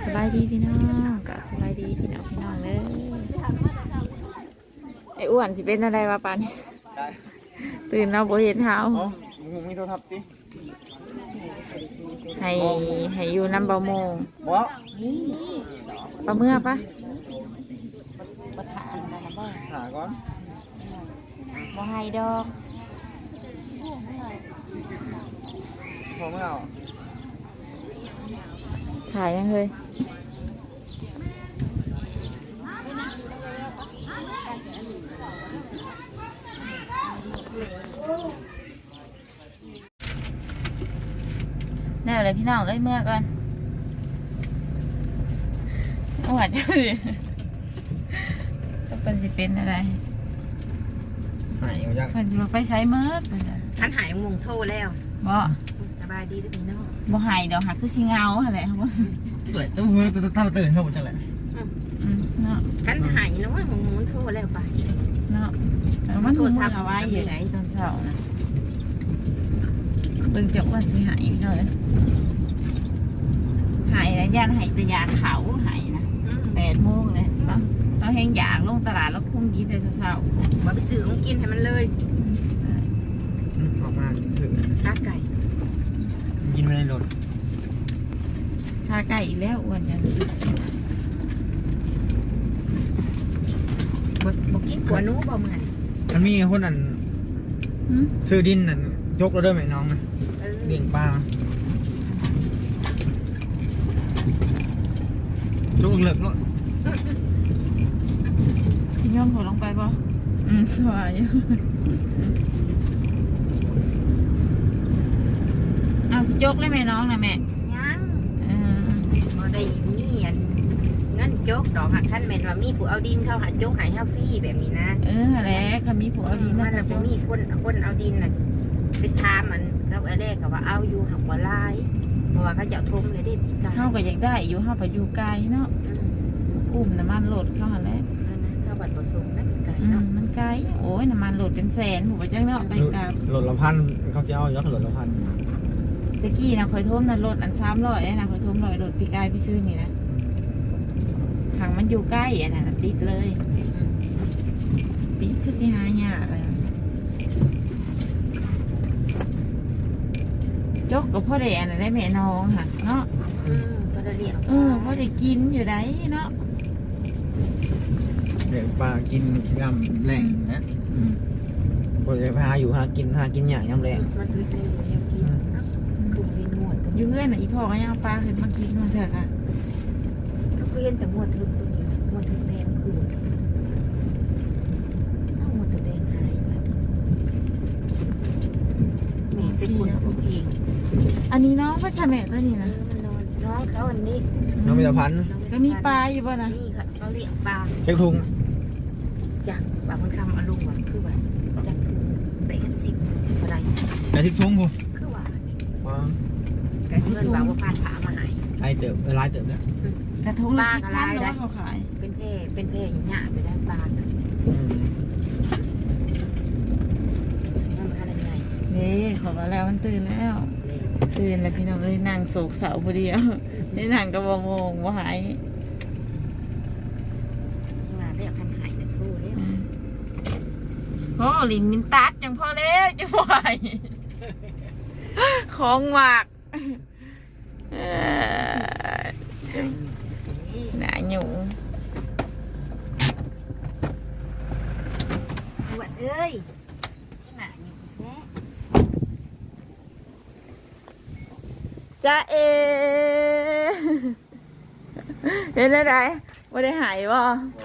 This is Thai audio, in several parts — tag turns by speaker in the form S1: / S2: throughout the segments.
S1: สบายดีพี่น้องกับสบายดีพี่น้องเลยไอ้อ้วนสิเป็นอะไรวะปันตื่นเราบ่เห็นเท้า
S2: มึงมีโทรศัพท์ดิ
S1: ให้อยู่น้ำเบาโมง
S2: บ่
S1: ปลาเมื่อปะ
S2: หาก่อน
S1: บ่ให้ดอก
S2: พอไม่เอา
S1: ถ่ายยังเลยแน่เลยพี่น้องเอ้ยเมื่อก่อนหวานจังเลยจะเป็นสิเป็นอะไร
S2: หายเอายัง
S1: เพิ่นอยู่ไปใช้เมื่อ
S3: ท่านหายงงโทรแล้ว
S1: บ่
S3: สบายดีด้วยพี่น้อง
S1: บ่หายดอกหักคือสิเงาอะไรครับว่า
S2: เลยถ้าเราตื่นเข้าจังแหละ
S1: เนาะ
S3: ท่านหายนะว่างงโทรแล้วไป
S1: เนาะแต่มันโทรศัพท์เอาไว้อยู่ไหนตอนเช้านะเบิ่งจักว่าสิหายเนาะหายนะย่านหายแต่ยาเขาหายนะ8 โมงเลยต้องแห้งอยากลงตลาดแล้วคุ้มกินแต่เช้า
S3: ว่าไปซื้อของกินให้มันเลย
S2: ออกมาถึง
S3: ข้าไก่
S2: กินไม่ได้รถ
S1: ข้าไก่อีกแล้วอ้วนจัง
S3: บอกกินกัวนู้บ่มัน
S2: มันมีคนอันซื้อดินนั่นยกเราด้วยไหมน้องนะเลี้ยงปลายกเหลือกก็
S1: ย่อมหัวลงไปป่ะสวยเอาสิจกเลยแม่น้องนะแม่
S3: ยังพอได้มีเงินจกดอกหักท่านแม่ว่ามีผู้เอาดินเข้าหาจกหายห้าฟรีแบบนี้นะ
S1: อะไรเขามีผู้เอาดิน
S3: นะจะมีคนเอาดินน่ะไปทามันแล้วไอ้แรกก็ว่าเอาอยู่หักหัวลายเพราะว่าเขาจะทุ่มเลยได้ปีกา
S1: เฮาก็อยากได้อยู่เฮาไปอยู่ไกลเนาะกลุ่มน้ำมันโหลดเข้าหันแล้ว
S3: ข้าวบัตรประสงค์นั่นไกลเนาะ
S1: มันไกลโอ้ยน้ำมันโหลดเป็นแสนผมไปจังเนาะไปกับ
S2: โหลดละพันเขาจะเอายอดโหลดละพัน
S1: ตะกี้นะคอยทุ่มนะโหลดอัน300นะคอยทุ่ม100โหลดปีกายพี่ซื้อนี่นะหางมันอยู่ใกล้อ่ะนะติดเลยติดคือสิหายากเลยจกกับพ่อแดงได้แม่น้องค่ะเนาะ
S3: พ่อได้เลี้ยง
S1: พ่อได้กินอยู่ได้เนาะ
S2: เดี๋ยวปลากินยำแรงนะพอจะพาอยู่หากินอย่างยำแรง
S3: มันคืออยู่ยังกินคือมีหนวด
S1: อยู่เพื่อนอีพ่อก็ยังเอาปลาขึ้นมากินมาเถอะค่ะ
S3: ก็เห็นแต่หนวดทึบตัวนี้หนวดทึบแดงคือหนวดตัวแดงหายแม่เป็นคนเอาเอง
S1: อันนี้น้องพัชแม่ตัวนี้นะ
S3: น้องเขาอันนี้
S2: น้องมีตะพัน
S1: ก็มีปลาอยู่ป่ะนะ
S3: นี่ค่ะเขาเลี้ยงปลา
S2: เช็คทุง
S3: จากบางคนคำอารมณ์ว่าคือว่าจากไปกัน10อะไร
S2: แต่ทิพทุงกู
S3: คือว่า
S1: แต่
S3: เงินบางว่าผ่านผามาหาย
S2: ไอเติบลายเติบเนี่ย
S1: กระทงละ10 ล้านแล้วเขาขาย
S3: เป็นเพอย่างเงี้ยไปได้ปลา
S1: นี่ขอมาแล้วมันตื่นแล้วพี่น้องเลยนั่งโศกเสาพอดีอ่ะนี่นั่งก็บ่งงบ่หาย
S3: เรียกคันหายนะทู่เนี่ย
S1: พ่อลินมินตัดจังพ่อเล็วจะไหวของหมักหนาหนู
S3: หวัดเอ้ย
S1: จ้าเอเห็นได้ว่าได้หายบ่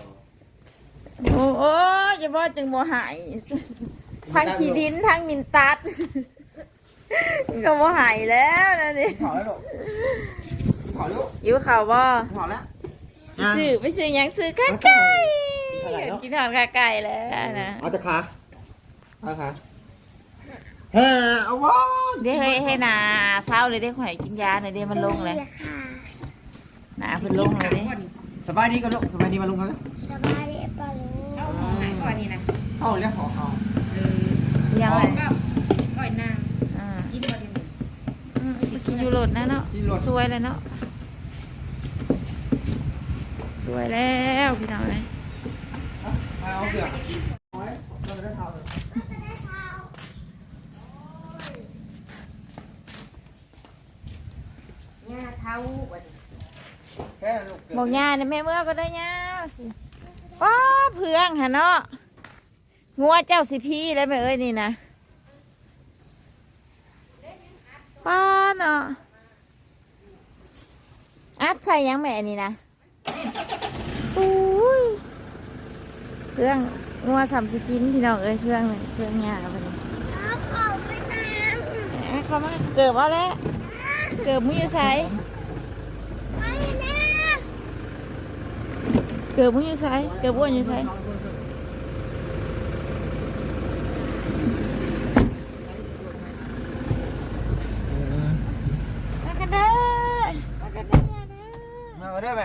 S1: โอ้ยบ่จึงบ่หายทั้งขี้ดินทั้งมินตัดก็บ่หายแล้วนะนี่
S2: ขอแล้วลูกขอลูก
S1: อยู่ข่าวบ่
S2: ขอแล้ว
S1: ไปซื้อยังซื้อข้าไก่กินทอดข้าไก่แล้วนะ
S2: เอาจะขาเอาขาเอาวะ
S1: เดี๋ยวให้นาเศร้าเลยได้ข่อยกินยาหน่อยเดี๋ยวมันลงเลยนาเพิ่นลงเลยดิ
S2: สบายดีกันลูกสบายดีมาลุงกันแล้ว
S3: สบายดีป่ะลุงเอาของไหนก่อนนี่นะ
S2: เอาเรียกของเอา
S1: ยังไง
S3: ก่อนนาง
S1: กินยูโรดนะเนาะสวยเลยเนาะวยแล้วพี่น้องเลย
S2: เอาเสือเอาไว้เราจะได้ทำ
S3: เนี่ยเท้าวัน
S2: แช่ลูก
S1: บอกย่าเนี่ยแม่เมื่อก็ได้ย่าสิป้าเพื่องฮะเนาะงัวเจ้าสิพี่แล้วแม่เอ้ยนี่นะป้าเนาะอัดใส่ยังแม่นี่นะอุ้ยเพื่องงัวสามสกินพี่น้องเอ้ยเพื่องเลยเพื่องย่าไปเลย
S4: ขอไปน้
S1: เขามาเกิดเอาแล้วเกิดมึงอยู่ไส
S4: ำไปนะ
S1: เกิดมึงอยู่ไสเกิดบ้วนอยู่ไสมากันเด้อมากันเด้อย่าเด้อ
S2: มาได้ไหม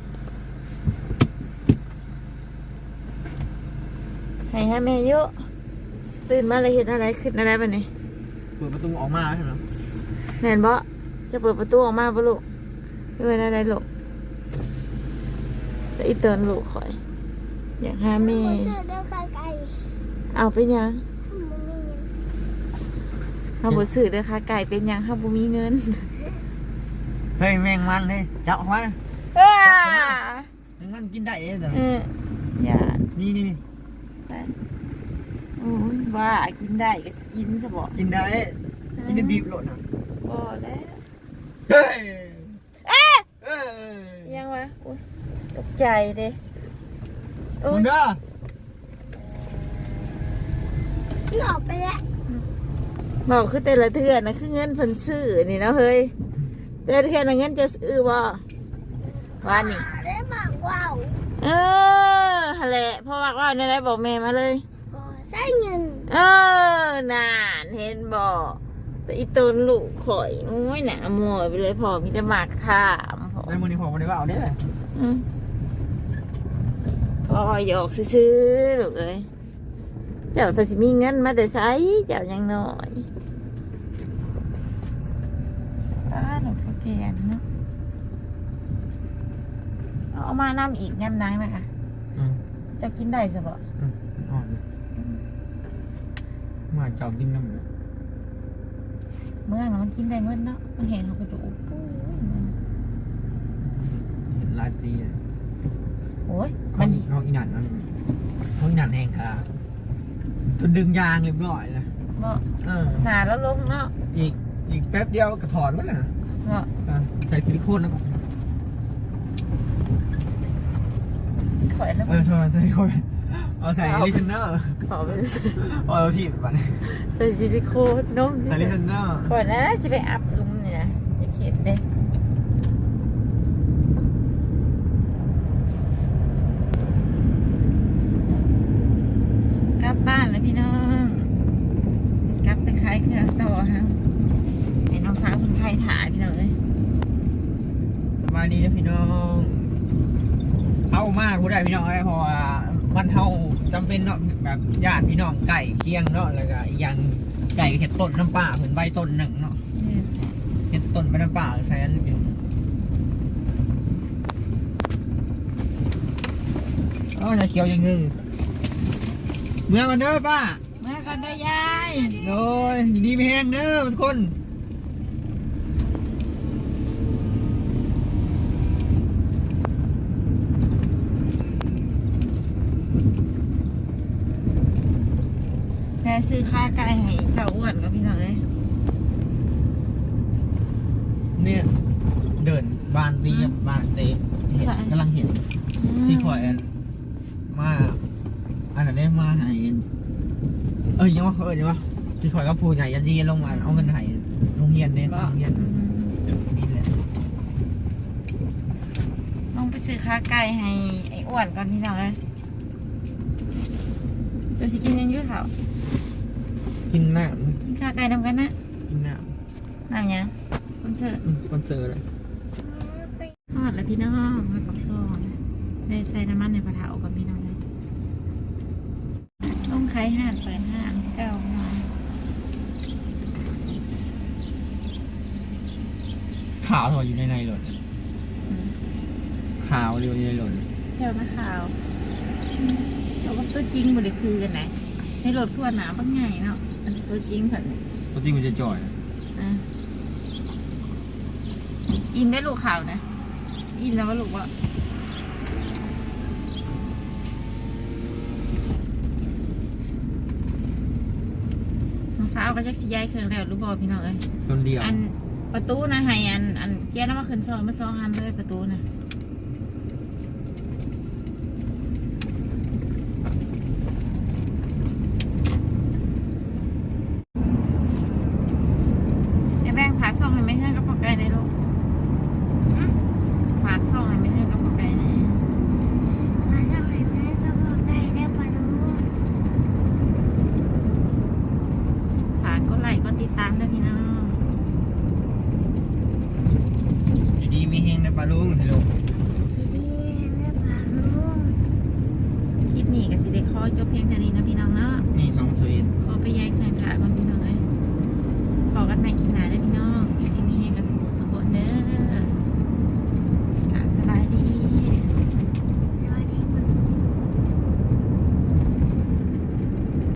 S1: ให้แม่เยอะตื่นมาเลยเห็นอะไรขึ้นอะไรบ้านี้
S2: เปิดประตูออกมาใช่ไหม
S1: แม่นบ่จะเปิดประตูออกมาบ่ลูกเป็นอะไรลูกแต่อีเตือนลูกคอย อยากหาแม่
S4: เสือเดินไกล
S1: เอาไปยัง
S4: ๆมันมีเงิน
S1: เฮาบ่ซื้อเด้อค่ะไก่เป็นยังเฮาบ่มีเงิน
S2: เฮ้ยแมงมันเฮ้ยจับออกมา
S1: อ้า
S2: แมงมันกินได้เองแต่
S1: อย่า
S2: นี่นี่นี่
S1: ใส่โอ้ยว่ากินได้ก็สิกินซะบ่
S2: กินได้กินได้ดิบโหลดนะ
S1: บ่แล้ว
S2: เฮ้ย
S1: เอ๊ะ
S2: เอ้ย
S1: ยังวะอุ๊ยตกใจเด้โอ้
S2: คุ
S1: ย
S2: ณเด้อ
S4: หลอกไปแล้ว
S1: บอกคือแต่ละเทื่อนะคือเงินเพิ่นซื้อนี่เนาะเฮ้ยแต่ละเทื่อนะเงินจะซื้อบ่ว่านี่
S4: ได้บอกว่าว
S1: เออหั่นแหละเพราะว่าในได้บอกแม่มาเลย
S4: ขอใช้เงิน
S1: เออนานเห็นบอกแต่อีตนลูกข่อยโอ้ยหนาหมวยไปเลยพอมีแต่หมากถามพอ
S2: ไอ้มือนี่พอมาได้ว่าเอาเด้อ
S1: อืมพอหยอกซื้อๆลูกเอ้ยเจ้าภาษีมีเงินมาแต่ใช้เจ้ายังน้อยหนูก็แกนเนาะเอามานำอีกยำนังนะคะ
S2: อืม
S1: จะกินได้สบะ
S2: อ่อนมาเจ้ากินน้ำเลย
S1: เมื่อนะมันกินได้เมื่อเนาะมันเห็นเขาไปดูปุ้ยมัน
S2: เห็นหลายปีเลย
S1: โอ้ย
S2: เขา
S1: มัน
S2: เขาอีหนันนั่นเขาอีหนันแหงค่ะจนดึงยางเรียบร้อยเลย
S1: เนาะ
S2: เออ
S1: หนาแล้วลงเนาะ
S2: อีกแป๊บเดียวก็ถอนแล้วนะ
S1: เนาะ
S2: ใส่ซิลิโคนนะ
S1: ถอยแล้ว
S2: ใส่ซิลิโคนเอาใส่ลิเทนเนอร์
S1: ขอไปเลย
S2: เอาที่แบบนี้
S1: ใส่ซิลิโคนนม
S2: ใส่ลิเทนเนอร์
S1: ก่อนนะจะไปอับอึมนี่นะจะเข็ดเด้กลับบ้านแล้วพี่น้องกลับไปขายเครื่องต่อฮะเห็นน้องสาวคนไทยถ่ายพี่น้องเลย
S2: สบายดีนะพี่น้องเอามากกูได้พี่น้องไอ้พอมันเท่าจำเป็นเนาะแบบญาติพี่น้องไก่เคียงเนาะแล้วก็อีกอย่างไก่เห็ดต้นน้ำป่าเหมือนใบต้นหนึ่งเนาะเห็ดต้นใบน้ำป่าแซนอยู่อ๋อจะเขียวยังงึเมื่อกันเด้อป้า
S1: มาก่อนเด้อยาย
S2: โดยดีไม่แห้งเด้อทุกคน
S1: แม่ซื้อข้าไก่ให้เจ้าอ้วนกับพี่น้องเลย
S2: เนี่ยเดินบานตีกับบานเตะเห็นกำลังเห็นที่คอยมาอันนั้นได้มาให้ยังว่ายังว่าที่คอยกับผู้ใหญ่ยันดีลงมาเอาเงินให้โรงเรียนเนี่ยโรงเรียนนี่แหละ
S1: ลองไปซื้อข้าไก่ให้ไอ้อ้วนก่อนพี่น้องเลยจะสิกินยังอยืดเขา
S2: กินหน้า
S1: กินข้าไก่นำกันนะ
S2: กินหน้า
S1: น้ำยังคนเสิร์ฟ
S2: สปอนเซอร์เลย
S1: ทอดแล้วพี่น้องมากับซองได้ใส่น้ำมันในกระถางกับพี่น้องเลยต้องขายห่านเปิดห่านเก่าหน่อย
S2: ข่าวถอยอยู่ในเลย
S1: อืม
S2: ขขาวเรียวในหล่น
S1: แถวนาข่าวเราก็ตัวจริงบ่ได้คือกันไหนในรถขวดหนาบางไงเนาะอันตัวจริงค่ะ
S2: ตัวจริงมันจะจ่อย
S1: อ่ะอิ่มได้ลูกข่าวนะอิ่มแล้วว่าลูกว่าน้องสาวก็จะสิย้ายเครื่องแล้วรู้บ่พี่น้องเอ้ย
S2: คนเดียว
S1: อันประตูนะให้อันแก้น้ำมาขึ้นซอยมาซองอันเลยประตูนะไอ้แบงฝากซองให้ไม่เพื่อนกับพ่อไก่ในลูกฝากซองให้ไม่เพื่อนกับพ่อไก่ใน
S4: มาทำไมแม่ก็บอกได้ได้ปะลูก
S1: ฝากกดไลค์กดติดตามด้วยพี่น้อง
S2: อยู่ดีมีเฮงนะปลาลุงฮัลโหล
S4: ดีๆแม่พาลูก
S1: คลิปนี้ก็สิได้ขอจบเพียงเท่านี้นะพี่น้องเนาะ
S2: นี่2 สวีท
S1: ขอไปย้ายเครื่องขาก่อนพี่น้องเลยพอกันใหม่คลิปหน้าเด้วยพี่